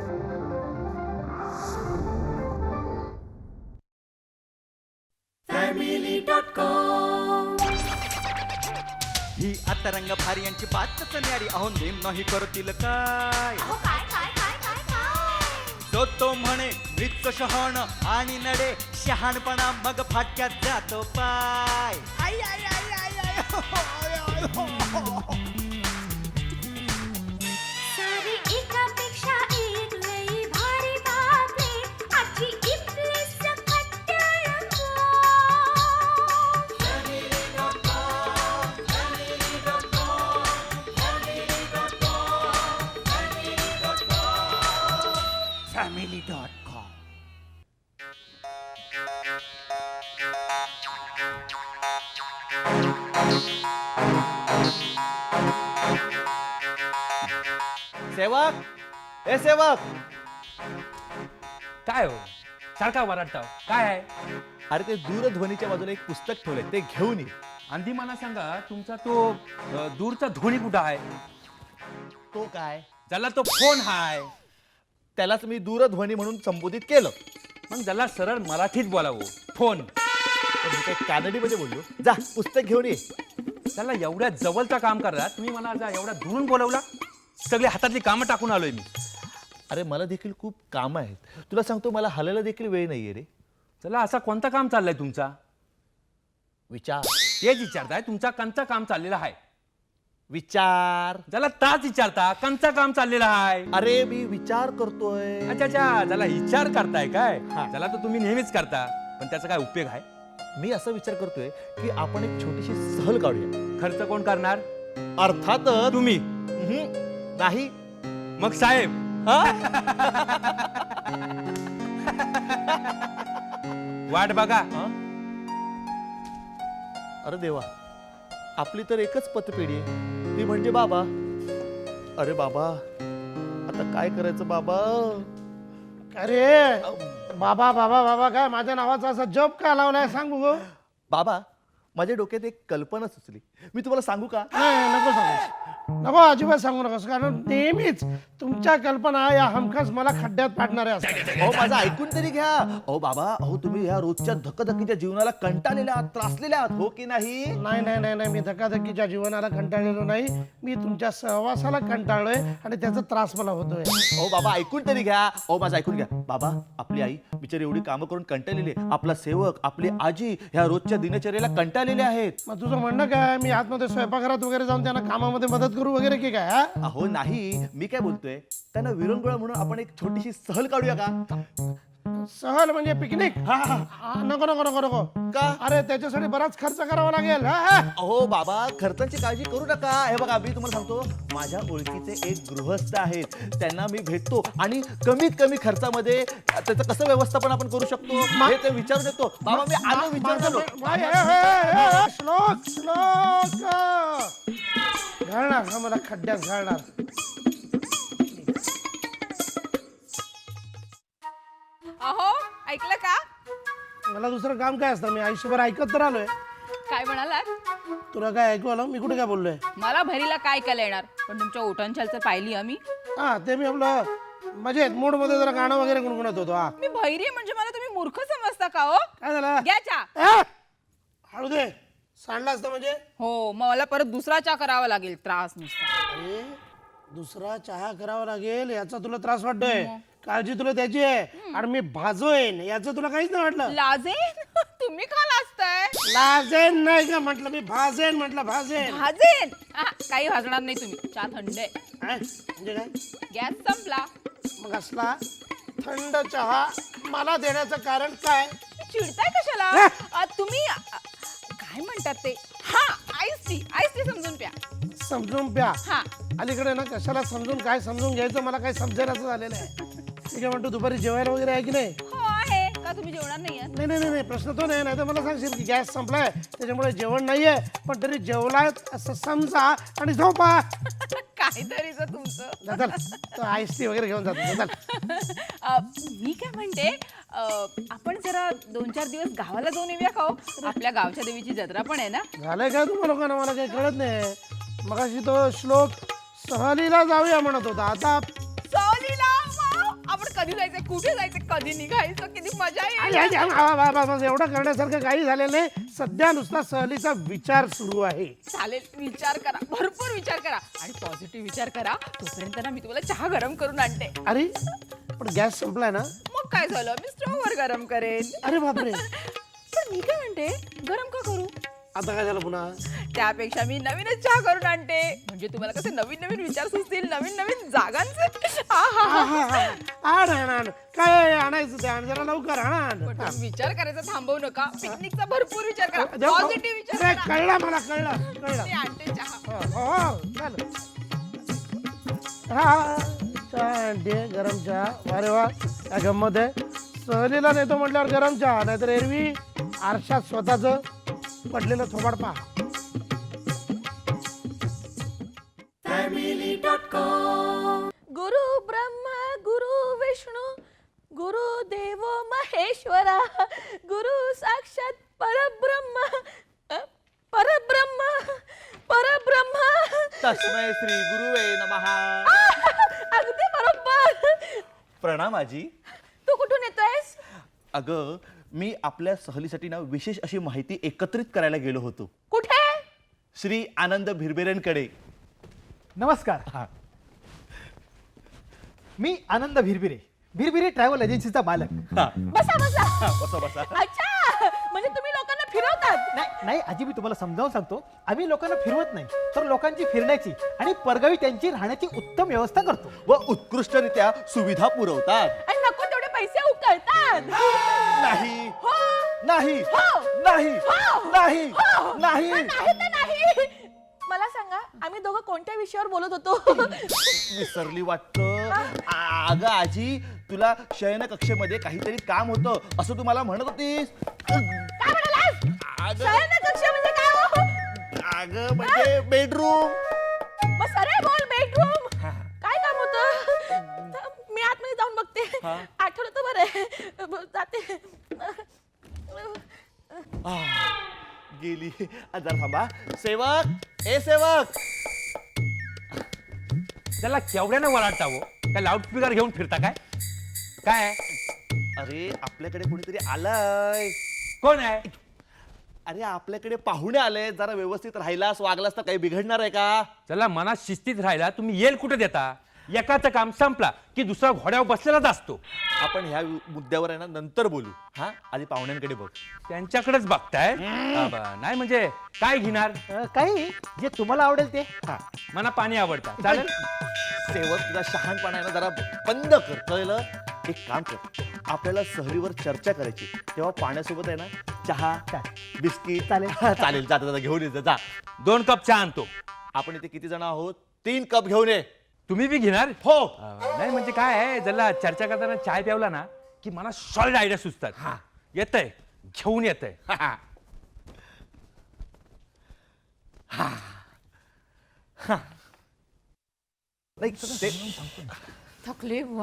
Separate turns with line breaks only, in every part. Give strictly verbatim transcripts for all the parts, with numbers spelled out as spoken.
ही आता रंग भारी यांची बातच न्यारी, अहो नेम नाही करतील काय. तो तो म्हणे मृत शहाण आणि नडे शहाणपणा मग फाटक्यात जातो पाय. आई आई आई आई आई हो, हो, आय, आय, हो, हो.
सारी एकापेक्षा एक लई भारी बातमी आजची इथली सकट टेलिफोन.
Family dot com.
सेवक, ए सेवक,
काय हो सारखा वराडता काय आहे?
अरे ते दूरध्वनीच्या बाजूला एक पुस्तक ठेवलंय, ते घेऊन ये.
आधी मला सांगा तुमचा तो अ, दूरचा ध्वनी कुठं आहे?
तो काय,
ज्याला तो फोन हाय,
त्यालाच मी दूरध्वनी म्हणून संबोधित केलं.
मग ज्याला सरळ मराठीत बोलावं फोन.
पण मी काही कानडीमध्ये बोललो. जा पुस्तक घेऊन ये.
त्याला एवढ्या जवळचं काम करा तुम्ही, मला जा एवढा दुरून बोलवला. सगळी हातातली कामं टाकून आलोय मी.
अरे मला देखील खूप काम आहेत. तुला सांगतो, मला हलायला देखील वेळ नाहीये रे.
चला असा कोणता काम चाललंय तुमचा?
विचार
तेच विचारताय तुमचा कंचा काम चाललेला आहे.
विचार.
ज्याला ताच विचारता कंचा काम चाललेला आहे.
अरे मी विचार करतोय.
अच्छा अच्छा, ज्याला विचार करताय काय,
हा.
त्याला तर तुम्ही नेहमीच करता, पण त्याचा काय उपयोग आहे?
मी असा विचार करतोय की आपण एक छोटीशी सहल काढूया.
खर्च कोण करणार?
अर्थातच
तुम्ही.
हम्म, नाही.
मग साहेब
हा?
वाट बघा.
हा? अरे देवा, आपली तर एकच पतपेढी आहे, ती म्हणजे बाबा. अरे बाबा, आता काय करायचं बाबा?
अरे बाबा बाबा बाबा काय माझ्या नावाचा असा जप का लावलाय सांग बघू.
बाबा, माझ्या डोक्यात एक कल्पना सुचली, मी तुम्हाला सांगू का?
नाही नको सांगू, नको अजिबात सांगू नकोस, कारण नेहमीच तुमच्या कल्पना या हमखास मला खड्ड्यात पाडणाऱ्या असतात.
अहो माझं ऐकून तरी घ्या. अहो बाबा, अहो तुम्ही या रोजच्या धकधकीच्या जीवनाला कंटाळलेल्या आहात, त्रासलेल्या आहात, हो की नाही?
नाही नाही नाही नाही मी धकाधकीच्या जीवनाला कंटाळलेलो नाही, मी तुमच्या सहवासाला कंटाळलोय आणि त्याचा त्रास मला होतोय.
अहो बाबा ऐकून तरी घ्या. अहो माझं ऐकून घ्या. बाबा, आपली आई बिचारी एवढी कामं करून कंटाळलेली आहे. आपला सेवक, आपली आजी ह्या रोजच्या दिनचर्येला कंटाळलेले आहेत.
मग तुझं म्हणणं काय, मी आतमध्ये स्वयंपाकघरात वगैरे जाऊन त्यांना कामामध्ये मदत करू वगैरे की काय? हा?
अहो नाही, मी काय बोलतोय, त्यांना विरंगुळा म्हणून आपण एक छोटीशी सहल काढूया का?
सहल म्हणजे पिकनिक?
हा, हा.
हा, नको नको नको नको.
का?
अरे त्याच्यासाठी बराच खर्च करावा लागेल. हा, हा.
अहो बाबा, खर्चाची काळजी करू नका. हे बघा, मी तुम्हाला सांगतो, माझ्या ओळखीचे एक गृहस्थ आहेत, त्यांना मी भेटतो आणि कमीत कमी खर्चामध्ये त्याचं कसं व्यवस्थापन आपण करू शकतो हे ते विचारू देतो. बाबा मी आलो विचारतो.
बाई, ए, ए, ए, ए, श्लोक श्लोक घालणार हा मला खड्ड्यात घालणार.
अहो ऐकलं का?
मला दुसरं काम काय असतं, मी आयुष्यभर ऐकत तर आलोय.
काय म्हणालात?
तुला काय ऐकू आलं? मी कुठे काय बोललोय?
मला भरीला काय ऐकायला येणार, पण तुमच्या ओठांच्यालचं पाहिली आम्ही.
हा ते मी आपलं मजेत मूड मध्ये जरा गाणं वगैरे गुणगुणत होतो. हा
मी भैरी आहे म्हणजे मला तुम्ही मूर्ख समजता का हो?
काय झालं?
घ्या चहा.
ए, हळू दे, सांडला असतं म्हणजे.
हो मग मला परत दुसरा चहा करावा लागेल, त्रास नुसता.
अरे दुसरा चहा करावा लागेल याचा तुला त्रास वाटतोय? काळजी तुला त्याची आहे आणि मी भाजोयन याचं तुला काहीच नाही वाटलं?
लाजेन? तुम्ही का लाजताय?
लाजेन नाही का म्हटलं, मी भाजेन म्हटलं, भाजेन.
भाजेन? हा, काही भाजणार नाही तुम्ही, चहा थंड आहे.
काय? म्हणजे काय?
गॅस संपला.
मग असला थंड चहा मला देण्याचं कारण काय?
चिडताय कशाला? अ, तुम्ही अ, काय म्हणतात ते, हा आईस टी, आईस टी समजून प्या.
समजून प्या?
हा.
अलीकडे ना कशाला समजून काय समजून घ्यायचं मला काही समजेनाचं झालेलं आहे. ठीक आहे, म्हणतो दुपारी जेवायला वगैरे आहे की नाही?
हो आहे. का तुम्ही जेवणार नाहीये?
नाही नाही नाही प्रश्न तो नाही. नाही तर मला सांगशील की गॅस संपलाय त्याच्यामुळे जेवण नाहीये, पण तरी जेवलाय असं समजा आणि झोपा.
काहीतरीच तुमचं.
जा, चल तो आईस टी वगैरे घेऊन जातो. चल.
अ, मी काय म्हणते, अ, आपण जरा दोन चार दिवस गावाला जाऊन येऊया का हो? आपल्या गावच्या देवीची जत्रा पण आहे ना.
झालंय काय तुम्हा लोकांना? मला काही कळत नाही. मगाशी तो श्लोक सहलीला जाऊया म्हणत होता, आता
सहलीला? वाव! कुठे जायचं, कधी निघायचं, किती मजा
आई,
येईल.
आई, आई, आ, बा, बा, बा, एवढं करण्यासारखं काही झालेलं नाही. सध्या नुसता सहलीचा विचार सुरू आहे.
चालेल, विचार करा, भरपूर विचार करा आणि पॉझिटिव्ह विचार करा. तोपर्यंत ना मी तुम्हाला चहा गरम करून आणते.
अरे पण गॅस संपलाय ना.
मग काय झालं, मी स्टोव्हवर गरम करेन.
अरे बापरे.
पण मी काय म्हणते, गरम का करू?
आता काय झालं पुन्हा.
त्यापेक्षा मी नवीनच चहा करून आणते, म्हणजे तुम्हाला कसे नवीन नवीन विचार सुचतील, नवीन नवीन जागांचे. आहा.
हा, हा, हा. आण आण आण काय आणायचं ते आण जरा लवकर आण आण.
पण तुम्ही विचार करायचा थांबवू नका. पिकनिकचा भरपूर विचार करा,
देव-
पॉझिटिव्ह विचार
अरे,
करा.
कळलं मला कळलं कळलं.
मी आणते चहा.
हो, हो, चालेल. हा चहा आणते गरम चहा. अरे वा काय गंमत आहे. सहलीला नेतो म्हटल्यावर गरम चहा, नाहीतर एरवी आरशात स्वतःच पडलेलं थोबाड पहा.
गुरु ब्रह्मा गुरु विष्णू गुरु देव महेश्वरा गुरु साक्षात परब्रह्म अ, परब्रह्म परब्रह्म.
तस्मै श्री गुरुवे नमः.
अगदी बरोबर.
प्रणाम आजी.
तू कुठून येतोयस?
अगं मी आपल्या सहलीसाठी ना विशेष अशी माहिती एकत्रित करायला गेलो होतो
कुठे?
श्री आनंद भिरभिरेंकडे.
नमस्कार.
हा.
मी आनंद भिरभिरे, भिरभिरे ट्रॅव्हल एजन्सीचा मालक.
हा.
बसा बसा.
बसा बसा.
अच्छा, म्हणजे तुम्ही लोकांना फिरवतात?
नाही नाही आजी, मी तुम्हाला समजावून सांगतो. आम्ही लोकांना फिरवत नाही, तर लोकांची फिरण्याची आणि परगावी त्यांची राहण्याची उत्तम व्यवस्था करतो.
व उत्कृष्टरित्या सुविधा पुरवतात.
आणि नको तेवढे पैसे उकळतात.
नाही
हो.
नाही
हो.
नाही
हो.
नाही
हो.
नाही
नाही तर नाही. मला सांगा, आम्ही दोघं कोणत्या विषयावर बोलत होतो?
विसरली वाटतं. अगं आजी तुला शयन कक्षेमध्ये काहीतरी काम होतं असं तू मला म्हणत होतीस.
काय म्हणालास?
अगं
शयन कक्ष म्हणजे काय हो?
अगं म्हणजे बेडरूम.
मग सरळ बोल, बेडरूम. काय काम होतं? मी आतमध्ये जाऊन बघते.
हा.
आठवलं तर बरं. ब- जाते.
गेली. जरा थांबा. सेवक ए सेवक.
त्याला केवढ्यानं वराडता हो, काय लाऊडस्पीकर घेऊन फिरता काय? काय आहे?
अरे आपल्याकडे कोणीतरी आलंय.
कोण आहे?
अरे आपल्याकडे पाहुणे आले. जरा व्यवस्थित राहिलास वागलास तर काही बिघडणार आहे का?
चला मनात शिस्तीत राहिला, तुम्ही येल कुठे देता? एकाचं काम संपला की दुसरा घोड्यावर बसलेलाच असतो.
आपण ह्या मुद्द्यावर आहे ना नंतर बोलू. हा आधी पाहुण्यांकडे बघ.
त्यांच्याकडेच बघताय. बाबा, नाही म्हणजे काय घेणार?
अ, काही जे तुम्हाला आवडेल ते.
हा
मला पाणी आवडतं. चालेल.
सेवक तुझा शहाणपणा आहे ना जरा बंद कर. कळलं? एक काम कर, आपल्याला सहलीवर चर्चा करायची तेव्हा पाण्यासोबत आहे ना चहा बिस्किट
चालेल.
हा, चालेल. जाता जाता घेऊन ये जा.
दोन कप चहा आणतो.
आपण इथे किती जण आहोत? तीन कप घेऊन ये.
तुम्ही बी घेणार?
हो.
अं, नाही म्हणजे काय आहे, जरा चर्चा करताना चाय प्यावला ना की मला सॉलिड आयडिया सुचतात. हा येतंय, घेऊन येतंय.
हा, हा. हा. हा. नाही, ते-
थकले बुवा.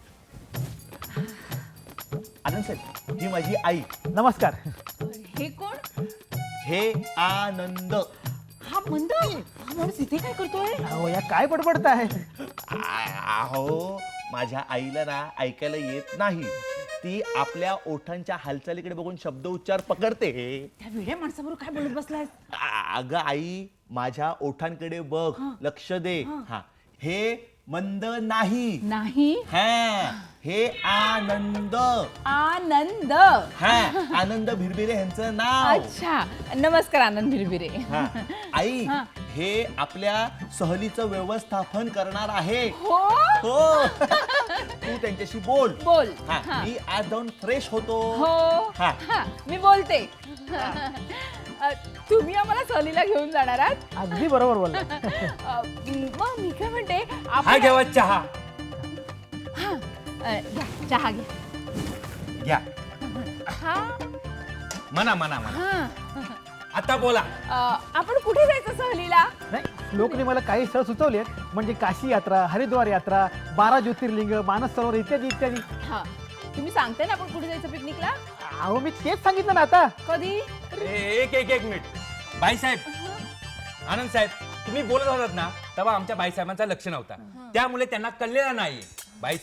आनंद साहेब ही माझी आई.
नमस्कार.
हे कोण?
हे आनंद.
हा मंद. हा माणूस इथे काय करतोय?
अहो या काय बडबडताय?
आ- अहो माझ्या आईला ना ऐकायला येत नाही. ती आपल्या ओठांच्या हालचालीकडे बघून शब्द उच्चार पकडते.
त्या वेड्या माणसाबरोबर काय बोलत बसलायस?
आ- अगं आई माझ्या ओठांकडे बघ, लक्ष दे. हा हे मंद नाही.
नाही.
हा हे आनंद.
आनंद.
हा आनंद भिरभिरे यांचं नाव.
अच्छा, नमस्कार आनंद भिरभिरे.
हा आई
हा.
हे आपल्या सहलीचं व्यवस्थापन करणार आहे.
हो.
हो तू त्यांच्याशी बोल.
बोल.
हा
हा.
मी आज जाऊन फ्रेश होतो.
हो.
हा.
हा, मी बोलते. अ, तुम्ही आम्हाला सहलीला घेऊन जाणार आहात?
अगदी बरोबर बोलला.
अ, मग मी काय म्हणते,
हा
आपण
घेवा चहा.
हा, अ, घ्या चहा घ्या.
घ्या.
हा.
म्हणा म्हणा म्हणा.
हा.
आता बोला.
अ, आपण कुठे जायचं सहलीला?
नाही लोकने मला काही स्थळ सुचवले म्हणजे काशी यात्रा, हरिद्वार यात्रा, बारा ज्योतिर्लिंग, मानस सरोवर इत्यादी इत्यादी.
हा, तुम्ही सांगताय ना आपण कुठे जायचं पिकनिकला?
अहो मी तेच सांगितलं ना आता.
कधी?
ए- एक एक एक मिनिट. बाईसाहेब, आनंद साहेब, तुम्ही बोलत होतात ना तेव्हा आमच्या बाईसाहेबांचं लक्ष नव्हता, त्यामुळे त्यांना कळलेलं नाहीये. बाईसाहेब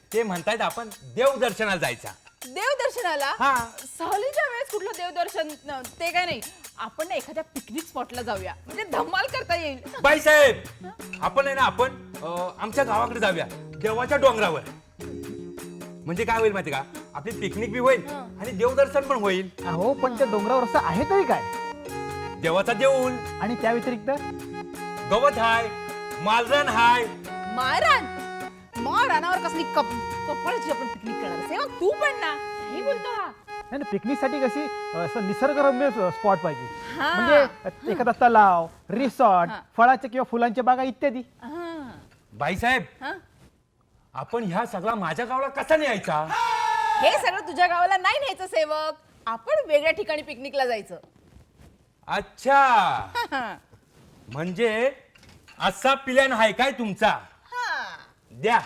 ते म्हणतायत आपण देवदर्शनाला जायचा.
देवदर्शनाला
हा.
सहलीच्या वेळेस कुठलं देवदर्शन न, ते काय नाही. आपण ना एखाद्या पिकनिक स्पॉटला जाऊया म्हणजे धमाल करता येईल.
बाईसाहेब आपण आहे ना आपण अं, आमच्या गावाकडे जाऊया देवाच्या डोंगरावर. म्हणजे काय होईल माहिती का, आपली पिकनिक बी होईल आणि देवदर्शन पण होईल.
अहो पण त्या डोंगरावर असं आहे तरी काय?
देवाचा देऊळ
आणि त्या व्यतिरिक्त
गवत हाय, मालरान हाय.
मारान मा रानावर कसली कप कपळची आपण पिकनिक करणार. सेवक तू पण ना हे बोलतो हा.
नाही पिकनिक साठी कशी असं निसर्गरम्य स्पॉट पाहिजे.
हा.
म्हणजे एखादा तलाव, रिसॉर्ट,
हा.
फळाच्या किंवा फुलांच्या बागा इत्यादी.
हा.
बाईसाहेब
हा?
आपण ह्या सगळा माझ्या गावाला कसा न्यायचा?
हे सगळं तुझ्या गावाला नाही न्यायचं सेवक. आपण वेगळ्या ठिकाणी पिकनिकला जायचं.
अच्छा
हा.
म्हणजे असा प्लॅन आहे काय तुमचा?
हा.
द्या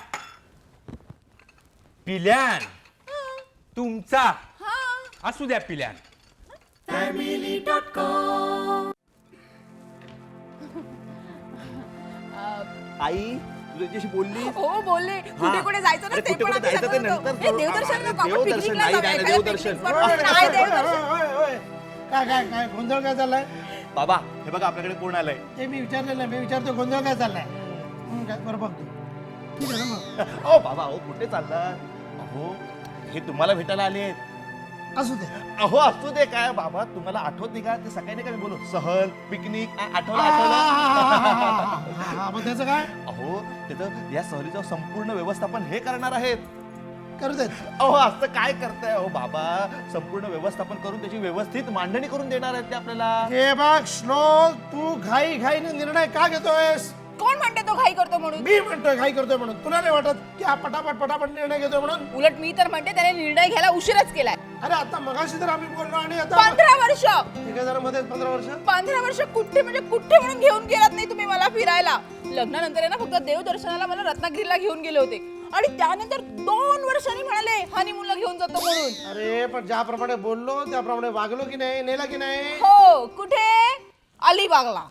प्लॅन तुमचा.
हा.
असू द्या प्लॅन.
आई तू त्याच्याशी बोलली?
हो बोलले कुठे कुठे जायचं ना
अरे,
ते
कुठे
पण
कुठे
आधी
जायचं ते
सांगत
नंतर
होतो. हे
करू.
देवदर्शन
अरे,
नको, आपण
देवदर्शन
पिकनिकला
नाही,
जाऊया.
नाही,
एखाद्या
देवदर्शन.
पिकनिक स्पॉटवर. नाही देवदर्शन.
ओय, ओय, ओय. काय काय काय गोंधळ काय चाललाय?
बाबा हे बघा आपल्याकडे कोण आलंय.
ते मी विचारलेलं आहे. मी विचारतो गोंधळ काय चाललाय. हं, काय बरं बघतो. ठीक आहे ना मग.
ओ बाबा अहो कुठे चाललात? अहो हे तुम्हाला भेटायला आले आहेत.
असू दे.
अहो असू दे काय बाबा, तुम्हाला आठवत नाही का ते सकाळी नाही का मी बोलू सहल पिकनिक आ- आठवलं
हा, हा,
आठवलं.
हा, हा, हा, हा, मग त्याचं काय
अहो त्याचं या सहलीचं संपूर्ण व्यवस्थापन हे करणार आहेत.
करू देत.
अहो असं काय करताय अहो बाबा, संपूर्ण व्यवस्थापन करून त्याची व्यवस्थित मांडणी करून देणार आहेत ते आपल्याला.
हे बघ श्लोक, तू घाई घाईने निर्णय का घेतोयस?
कोण म्हणते तो घाई करतो म्हणून?
मी म्हणतोय घाई करतोय म्हणून. तुला नाही वाटत की हा पटापट पटापट निर्णय घेतोय म्हणून?
उलट मी तर म्हणते त्याने निर्णय घ्यायला उशीरच केलाय.
अरे आता मगाशी तर आम्ही बोललो आणि आता
पंधरा वर्ष
एक हजार मध्ये पंधरा वर्ष.
पंधरा वर्ष कुठे म्हणजे कुठे म्हणून घेऊन गेलात नाही तुम्ही मला फिरायला. लग्नानंतर आहे ना फक्त देवदर्शनाला मला रत्नागिरीला घेऊन गेले होते आणि त्यानंतर दोन वर्षांनी म्हणाले हनीमूनला घेऊन जातो म्हणून.
अरे पण ज्याप्रमाणे बोललो त्याप्रमाणे वागलो की नाही, नेला की नाही?
हो कुठे? अलिबागला.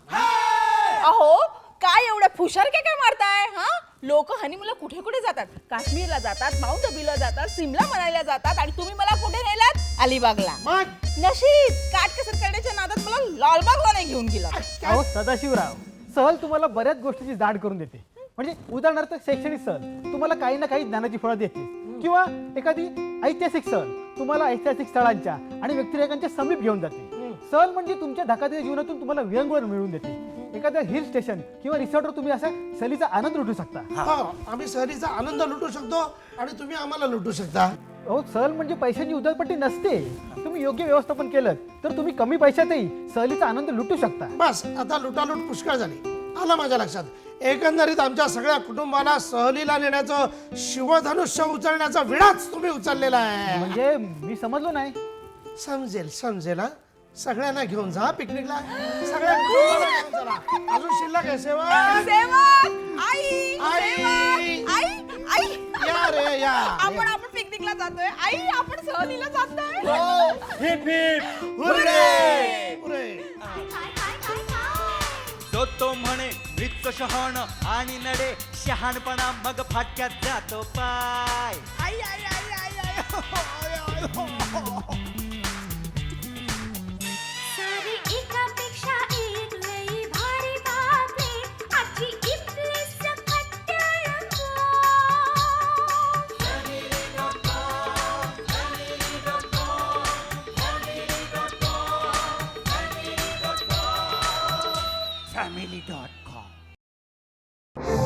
अहो काय एवढ्या फुशारक्या काय मारताय? हा लोक हनीमूनला कुठे कुठे जातात. काश्मीरला जातात, माउंट अबीला जातात, सिमला मनालीला जातात आणि तुम्ही मला कुठे नेलात? अलिबागला.
मग
नशीब काटकसर करण्याच्या नादात मला लालबागला नाही घेऊन गेला.
अहो सदाशिवराव, सहल तुम्हाला बऱ्याच गोष्टीची जाण करून देते. म्हणजे उदाहरणार्थ शैक्षणिक सहल तुम्हाला काही ना काही ज्ञानाची फळं देते, किंवा एखादी ऐतिहासिक सहल तुम्हाला ऐतिहासिक स्थळांच्या आणि व्यक्तिरेखांच्या समीप घेऊन जाते. सहल म्हणजे तुमच्या धकाधकीच्या जीवनातून तुम्हाला विरंगुळा मिळवून देते. एखाद्या हिल स्टेशन किंवा रिसॉर्टवर तुम्ही असा सहलीचा आनंद लुटू शकता.
हो, आम्ही सहलीचा आनंद लुटू शकतो आणि तुम्ही आम्हाला लुटू शकता.
अहो सहल म्हणजे पैशांची उधळपट्टी नसते. तुम्ही योग्य व्यवस्थापन केलं तर तुम्ही कमी पैशातही सहलीचा आनंद लुटू शकता.
बस आता लुटालूट पुष्कळ झाली. आलं माझ्या लक्षात. एकंदरीत आमच्या सगळ्या कुटुंबाला सहलीला नेण्याचं शिवधनुष्य उचलण्याचा विडाच तुम्ही उचललेला आहे.
म्हणजे मी समजलो नाही.
समजेल समजेल हा. सगळ्यांना घेऊन जा पिकनिकला. सगळ्या कुटुंबाला घेऊन चला. अजून शिल्लक आहे सेवा.
सेवक, आई,
आई.
सेवक, आई, आई.
या रे या.
आपण आपण पिकनिकला जातोय. आई आपण सहलीला जातोय.
Hip hip
hurray. हुर्रे.
तो तो म्हणे मृत शहाण आणि नडे शहाणपणा मग फाटक्यात जातो पाय. आई आई आई आई आई हो, आय, आय, हो, हो.
सारी एकापेक्षा एक लई भारी बातमी आजची इथली सकट रंगो.
family dot com